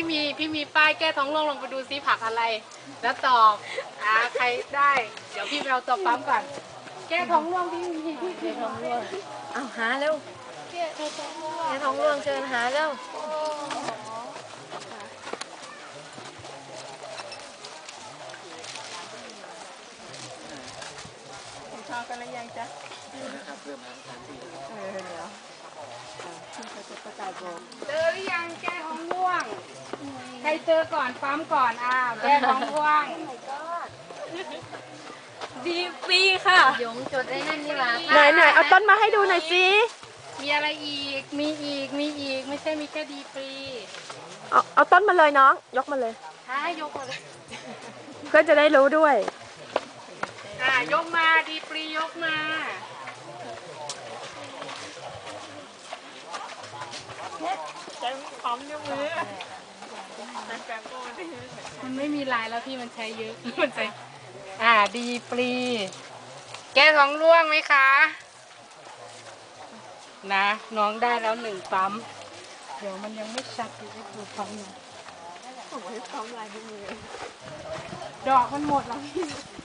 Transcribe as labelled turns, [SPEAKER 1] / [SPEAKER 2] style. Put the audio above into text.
[SPEAKER 1] พี่มีป้ายแก้ท้องร่วงลงไปดูซิผักอะไร แล้วตอบใครได้ เดี๋ยวพี่ไปเอาตัวปั๊มก่อน แก้ท้องร่วงพี่แก้ท้องร่วง
[SPEAKER 2] เอาหาเร็ว
[SPEAKER 1] แก้ท้องร่วง
[SPEAKER 2] แม่ท้องร่วงเชิญหาเร็ว
[SPEAKER 1] ทอกันแล้วยังจ๊ะ
[SPEAKER 3] นะครับเริ่มทำ3-4แล้ว
[SPEAKER 1] เดี๋ยวเจอหรือยังแก้ท้องร่วง ใครเจอก่อนปั๊มก่อนแก้ท้องร่วง
[SPEAKER 2] ดีฟรีค่ะ
[SPEAKER 1] ยงจดได้นั่นนี่หว่า
[SPEAKER 4] ไหนเอาต้นมาให้ดูหน่อยสิ
[SPEAKER 1] มีอะไรอีก มีอีกไม่ใช่มีแค่ดีฟรี
[SPEAKER 4] เอาต้นมาเลยน้อง ยกมาเลย
[SPEAKER 1] ยกมาเลย
[SPEAKER 4] เพื่อนจะได้รู้ด้วย
[SPEAKER 1] ยกมาดีฟรียกมา มันไม่มีลายแล้วพี่มันใช้เยอะมันใช้ดีฟรีแก้ท้องร่วงไหมคะนะน้องได้แล้ว1ปั๊มเดี๋ยวมันยังไม่ชัดอยู่ให้ดูปั๊มหน่อยดอกมันหมดแล้วพี่